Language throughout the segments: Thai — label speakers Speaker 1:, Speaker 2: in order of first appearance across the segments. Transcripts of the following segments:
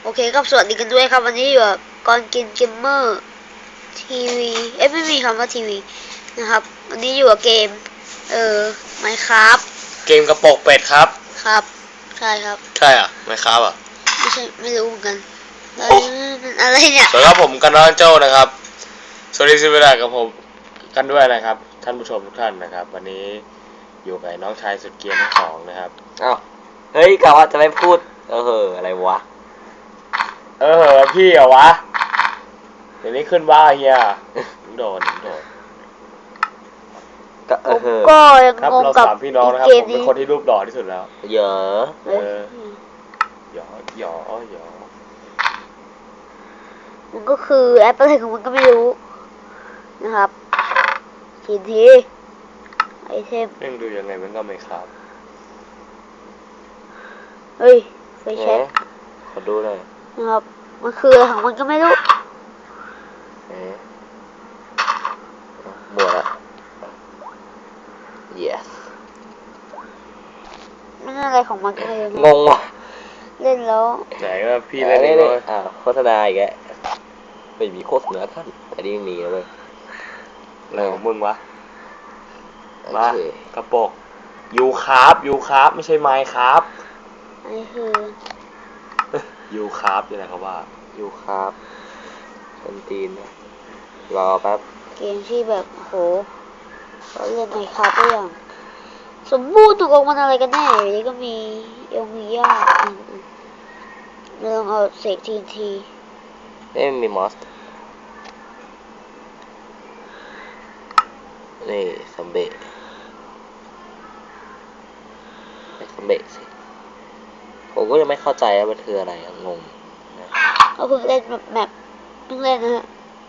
Speaker 1: โอเคครับสวัสดีกันด้วยครับวันนี้อยู่กับก่อนกินเกมเมอร์ทีวีไม่มีคำว่าทีวีนะครับวันนี้อยู่กับเกมMinecraft
Speaker 2: เกมกระโปงเป็ดครับ
Speaker 1: ครับใช่ครับ
Speaker 2: ใช่อ่ะMinecraftอ่ะ
Speaker 1: ไม่ใช่ไม่รู้เหมือนกันมันอะไรเนี่ย
Speaker 2: สวัสดีครับผมกันน้องโจ้นะครับสวัสดีสิเวลากับผมกันด้วยนะครับท่านผู้ชมทุกท่านนะครับวันนี้อยู่กับน้องชายสุดเกรียร์ทั้งสองนะครับ
Speaker 3: อ้าวเฮ้ยกะว่าจะไม่พูดอะไรวะ
Speaker 2: พี่เหรอวะเดี๋ยวนี้ขึ้นว่าเฮียโดน
Speaker 3: ก็
Speaker 1: ก็ยัง
Speaker 2: ครับ
Speaker 1: งง
Speaker 2: เรา
Speaker 1: กับ
Speaker 2: สามพี่น้องนะครับ
Speaker 1: เก
Speaker 2: ผม มเป็นคนที่รูปหล่อที่สุดแล้ว
Speaker 3: เยอะ
Speaker 2: หยอ
Speaker 1: มันก็คือแอปอะไรของมันก็ไม่รู้นะครับทีไอเทม
Speaker 2: เรื่องดูยังไงมันก็ไม่ครับ
Speaker 1: เฮ้ยไฟแช็ก
Speaker 3: ขอดูหน่อย
Speaker 1: นะครับมันคืออะไรของมันก็ไม่รู้
Speaker 3: หมดละ yes
Speaker 1: มันอะไรของมันก็ไม่รู้
Speaker 3: งงว่ะ
Speaker 1: เล่นแล้ว
Speaker 2: ไหนว่าพี่เล่นเองเลย
Speaker 3: โฆษณาอีกแล้วไม่มีโฆษณาท่านอันนี้ยังมีเลย
Speaker 2: อะไรของมึงวะมากระปกยูคาร์บไม่ใช่ไมค์ครับ
Speaker 1: อันนี้คือ
Speaker 2: ยูคาร์บยังไงครับว่า
Speaker 3: ยูครับเป็นตีนรอแป๊บ
Speaker 1: เกมที่แบบโหเราเล่นในคาร์บอย่างสมบูรณ์ถูกออกมันอะไรกันแน่อยู่นี่ก็มีมียากเราลองเอาเสกที
Speaker 3: นี่มีมอสนี่ซัมเบะสิผมก็ยังไม่เข้าใจว่ามันคืออะไรงง
Speaker 1: เราเพิ่งเล่นแมปเพิ่งเล่นนะฮะ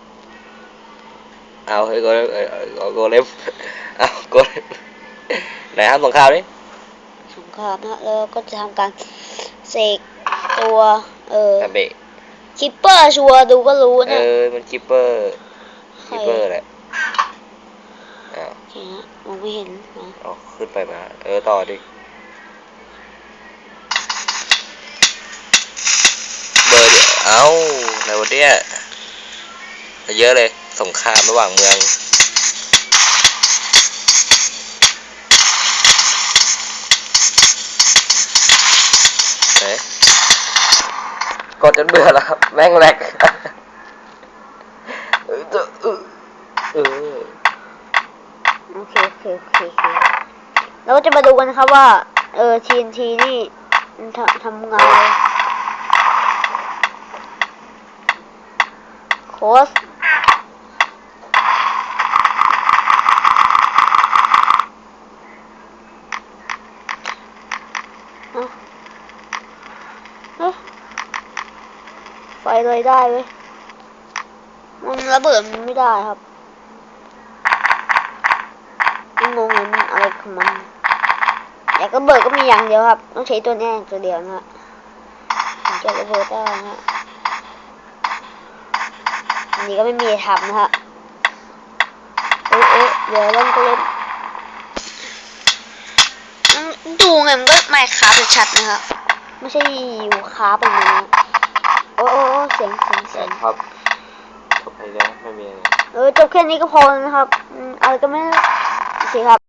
Speaker 3: เอาเฮ้ยโกเล็บเอาโกเล็บไหนครับสงครามนี่
Speaker 1: สงครามนะแล้วก็จะทำการเสกตัว
Speaker 3: ซัมเบะ
Speaker 1: คิปเปอร์ชัวร์ดูก็รู้นะ
Speaker 3: มันคิปเปอร์แหละ
Speaker 1: โอเคฮะมองไม่เห็นนะ
Speaker 3: ขึ้นไปมาต่อดิเบอร์อะไรวะเนี่ยเยอะเลยสงครามระหว่างเมืองกดจนเบื่อแล้วครับแม่งแหลก
Speaker 1: โอเคเราก็จะมาดูกันนะครับว่าTNT นี่ทำงานโค้ชไฟเลยได้เว้ยมันระเบิดมันไม่ได้ครับงงเลยมันอะไรของมันอยากระเบิดก็มีอย่างเดียวครับต้องใช้ตัวแน่ตัวเดียวนะฮะถึงจะระเบิดได้นะฮะอันนี้ก็ไม่มีทำนะฮะเดี๋ยวเล่นก็เล่นดูไงมันก็ไม่คาบชัดนะครับไม่ใช่อยู่คาบแบบนี้โอ้เสียง
Speaker 3: ครับจบไปแล้วไม่มีอะไร
Speaker 1: จบแค่นี้ก็พอนะครับอะไรก็ไม่โอเคครับ